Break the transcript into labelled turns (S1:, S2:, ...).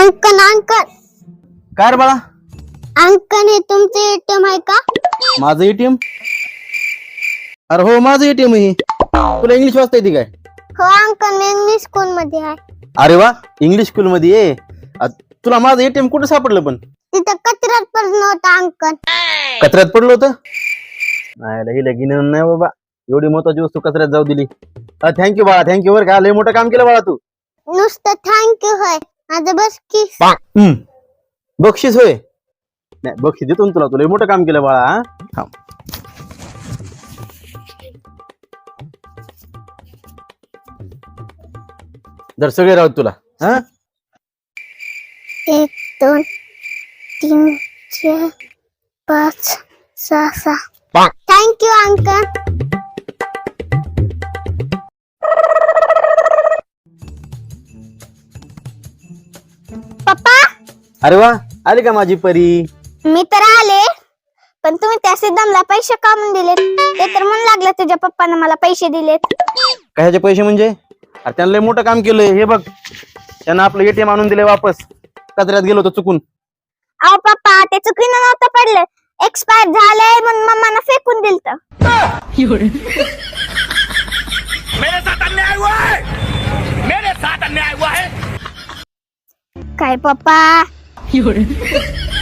S1: अंकन अंकन
S2: काय रे बाळा?
S1: अंकन हे तुमचे एटीएम आहे का?
S2: माझं एटीएम? अरे हो, माझं एटीएम आहे. तुला इंग्लिश वाचता येते काय?
S1: हो अंकन, मी इंग्लिश स्कूल मध्ये आहे.
S2: अरे वा, इंग्लिश स्कूल मध्ये ये. तुला माझं एटीएम कुठे सापडलं पण?
S1: तिथं कचऱ्यात पडलं होतं अंकन.
S2: कचऱ्यात पडलं होतं? नाही लगीन नाही बाबा, एवढी महत्वाची वस्तू कचऱ्यात जाऊ दिली. थँक्यू बाळा, थँक्यू. बरं का, लय मोठं काम केलं बाळा तू.
S1: नुसतं थँक्यू होय, माझं बस की.
S2: बक्षीस होय? नाही, बक्षीस देतो ना तुला. तुला लय मोठं काम केलं बाळा. हा, जर सगळे राहत तुला. हा,
S1: 1 2 3 4 5 6 6. Thank you uncle. पप्पा,
S2: अरे वा, आली का माझी परी?
S1: मी तर आले, पण तुम्ही त्या सिद्धमला पैसे का म्हणून दिलेत? ते तर म्हणू लागलं तुझ्या पप्पाने मला पैसे दिलेत.
S2: कशाचे पैसे म्हणजे? अरे त्यांना लय मोठं काम केलंय. हे बघ, त्यांना आपलं एटीएम आणून दिले वापस. कचऱ्यात गेलो होतो चुकून.
S1: अहो पप्पा, ते चुकीनं नव्हतं पडलं, एक्सपायर झालंय म्हणून मम्मानं फेकून दिलत.
S3: मेरे साथ अन्याय हुआ है, मेरे साथ अन्याय हुआ है.
S1: काय पप्पा?